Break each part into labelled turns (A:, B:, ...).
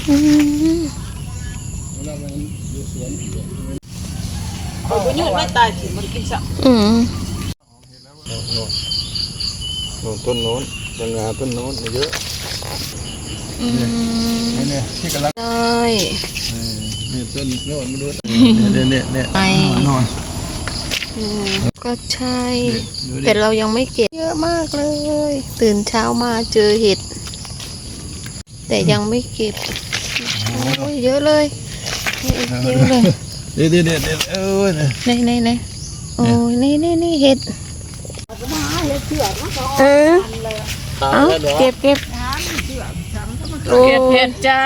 A: ยืดไม่ตายถึงมันกินสัก
B: ต้นโน้นยังงาต้นโน้นเยอะเนี่ยที่กำลัง
C: เลย
B: นี่ต้นโน้นมาดูเนี่ย
C: ไป
B: นอน
C: ก็ใช่แต่เรายังไม่เก็บเยอะมากเลย ตื่นเช้ามาเจอเห็ดแต่ยังไม่เก็บโอ้ยเยอะเลยเยอะเลย
B: เดี๋ยว
C: ในโอ้ยนี่เห็ดเอาเก็บ
A: เก็บเห็ดจ้า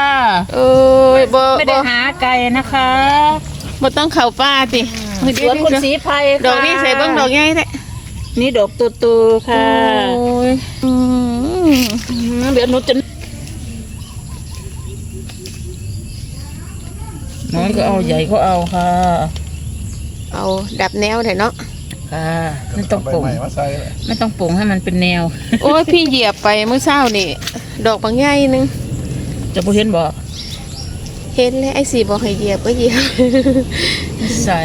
A: ไม่ได้หาไก่นะคะ
C: บ่ต้องเข่าป้าสิ
A: สวนคุณศรีไพร
C: ดอกนี้ใส่บ้างดอกใหญ่แท้
A: นี่ดอกตูค่ะเดี๋ยวหนูจะน้อยก็เอาใหญ่ก็เอาค่ะ
C: เอาดับแนวเถอะเนาะ
A: ค่ะไม่ต้องปรุงไม่ต้องปรุงให้มันเป็นแนว
C: โอ้ยพี่เหยียบไปเมื่อเช้านี่ดอกบางใหญ่นึง
A: จะบ่เห็นบ่
C: เห็นแล้วไอ้สีบอกให้เหยียบก็เหยียบ
A: ใส่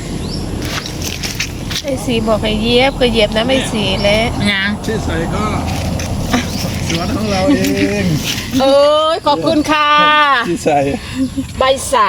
C: ไอ้สีบอกให้เหยียบก็เหยียบนะไม่สีแล้ว
A: ยัง
B: ที่ใส่ก็สวนของเราเอง
A: โอ้ยขอบคุณค่ะ
B: ที่ใส่
A: ใบสัก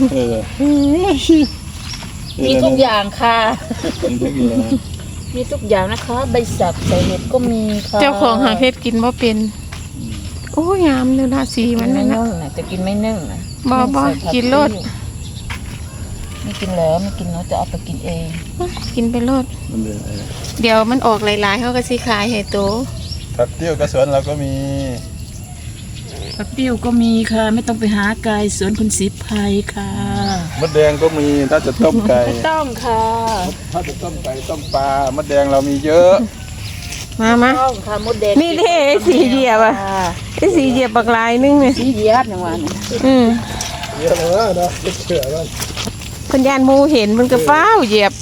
A: มีทุกอย่างค่ะมีทุกอย่างนะคะใบสักใส่เห็ดก็มีค่ะ
C: เจ้าของหาเห็ดกินบ่เป็นโอ้ยงามเลยนะสีมัน
A: ไม่
C: นะ
A: จะกินไม่นึ่งนะ
C: บ่กินรส
A: ไม่กินแล้วไม่กินเนาะจะเอาไปกินเอง
C: กินไปรสเดี๋ยวมันออกหลายๆเขาก็สิขายให้โต
B: ผักติ้วกระสวนเราก็มี
A: ผักติ้วก็มีค่ะไม่ต้องไปหาไก่สวนคุณศรีไพรค่ะ
B: มดแดงก็มีถ้าจะต้มไก่
A: ไม่ต้องค่ะ
B: ถ้าจะต้มไก่ต้มปลามดแดงเรามีเยอะ
C: มา
A: ต้องค่ะมดแดง
C: นี่เท่สีเหยียบอ่ะไอ้สีเหยียบบักลายนึงเนี่ย
A: สีเหยียบอย่างวัน
B: เยอะเลยนะเชื่อแล้ว
C: คนยานมูเห็นมันก็ฟ้าวเหยียบ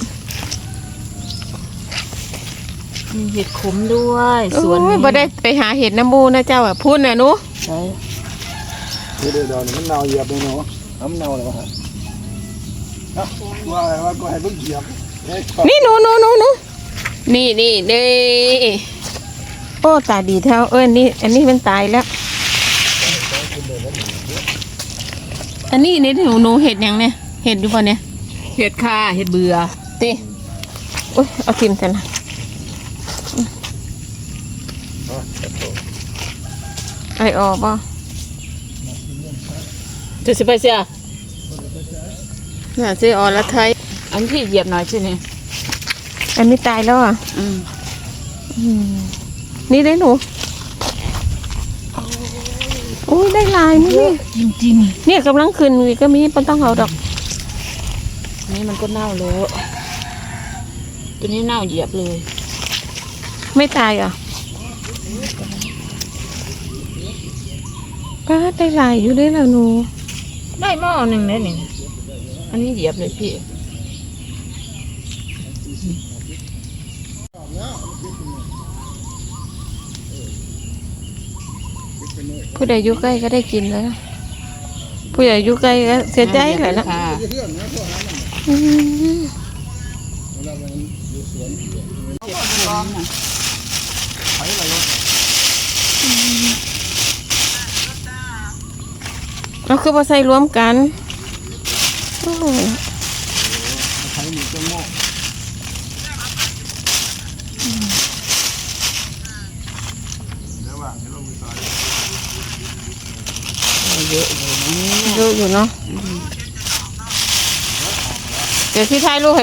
A: มีเห็ดขมด้วยสวนนี้
C: บ่ได้ไปหาเห็ดน้ำมูนะเจ้าอ่ะพูดนะหนู
A: ใช่
B: เดี๋ยวมันเน่าเหยียบเลยเนาะน้ำเน่าเลยวะว่าอะไรว่าก็ให้เพิ่งเหยียบ
C: นี่หนูนี่โอ้ตาดีเท่านี่อันนี้มันตายแล้วอันนี้นี่หนูเห็ดยังเนี่ยเห็ดอยู่ป่ะเนี่ย
A: เห็ดค่ะเห็ดเบื่อ
C: ตีโอ้ยเอาทิมกันนะไอออกป่ะ
A: จะสิไปเสีย
C: น่าจะออกแล้วไทย
A: อันที่เหยียบหน่อยใช่ไหม
C: อันนี้ตายแล้วอ่ะนี่ได้หนูโอ้ยได้ลายนี่
A: จริง
C: เนี่ยกำลังขึ้นก็มีไม่ต้องเอาดอก
A: นี่มันก็เน่าแล้วตัวนี้เน่าเหยียบเลย
C: ไม่ตายอ่ะก็ได้ลายอยู่ได้แล้วหนู
A: ได้หม้อหนึ่งเลยนี่อันนี้เหยียบเลยพี่
C: ผู้ใดอยู่ใกล้ก็ได้กินแล้วผู้ใหญ่อยู่ใกล้ก็เสียใจเลยนะเราคือมาใส่รวมกันเยอะอยู่เนาะเดี๋ยวที่ท้ายลูกให้